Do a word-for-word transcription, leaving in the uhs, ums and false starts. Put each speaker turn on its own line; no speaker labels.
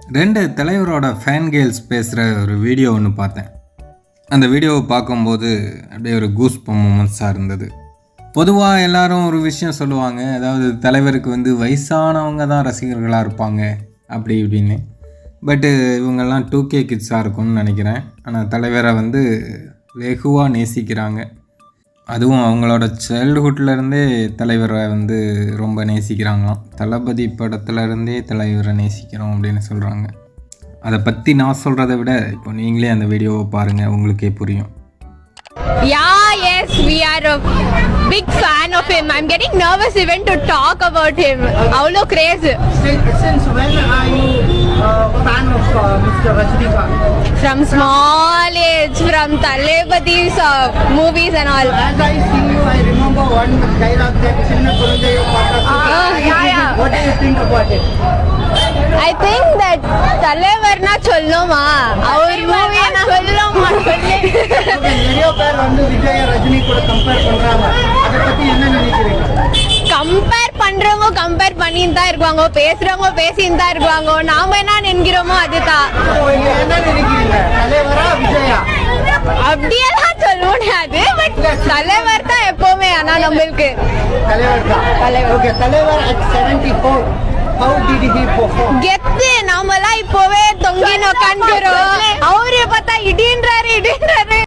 ரெண்டு தலைவரோட fan girls பேசுகிற ஒரு வீடியோ ஒன்று பார்த்தேன். அந்த வீடியோவை பார்க்கும்போது அப்படியே ஒரு கூஸ் பம்ப் மூமெண்ட்ஸாக இருந்தது. பொதுவாக எல்லாரும் ஒரு விஷயம் சொல்லுவாங்க, அதாவது தலைவருக்கு வந்து வயசானவங்க தான் ரசிகர்களாக இருப்பாங்க அப்படி இப்படின்னு. பட்டு இவங்கெல்லாம் டூ கே கிட்ஸாக இருக்கும்னு நினைக்கிறேன். ஆனால் தலைவரை வந்து வெகுவாக நேசிக்கிறாங்க. அதுவும் அவங்களோட சைல்டுஹுட்லேருந்தே தலைவரை வந்து ரொம்ப நேசிக்கிறாங்களாம். தளபதி படத்துலேருந்தே தலைவரை நேசிக்கிறோம் அப்படின்னு சொல்கிறாங்க. அதை பற்றி நான் சொல்கிறத விட இப்போ நீங்களே அந்த வீடியோவை பாருங்கள், உங்களுக்கே புரியும்.
Yeah, yes, we are a big fan of him. I'm getting nervous even to talk about him. Avlo crazy.
Since when are you a fan of uh, Mister Rajinikanth?
From small age, from Talebadi's uh, movies and all.
As I see you, I remember one dialogue that Chinna Kulundayo Pata.
Ah, yeah, yeah.
What do you think about it?
I think that தலைவர்னா சொல்லுமா, அவர் மூவினா சொல்லுமா.
நிறைய பேர் வந்து விஜய் ரஜினி கூட compare பண்றாங்க. அதை பத்தி என்ன நினைக்கிறீங்க?
கம்பேர் பண்றவங்க கம்பேர் பண்ணிட்டு தான் இருப்பாங்க, பேசுறவங்க பேசிட்டு தான் இருப்பாங்க. நாம என்ன நினைக்கிறோமோ அதுதான்.
நீங்க என்ன நினைக்கிறீங்க, தலைவரா விஜயா?
அப்படியெல்லாம் சொல்ல முடியாது, பட் தலைவர் தான் எப்பவுமே. ஆனா நம்மளுக்கு
தலைவர் தான்.
தலைவர்.
ஓகே, தலைவர் at seventy-four, how did he perform?
கெத்து. நாமெல்லாம் இப்பவே தொங்கி நோக்கான்கிறோம், அவரு பார்த்தா இடின்றாரு இடின்றாரு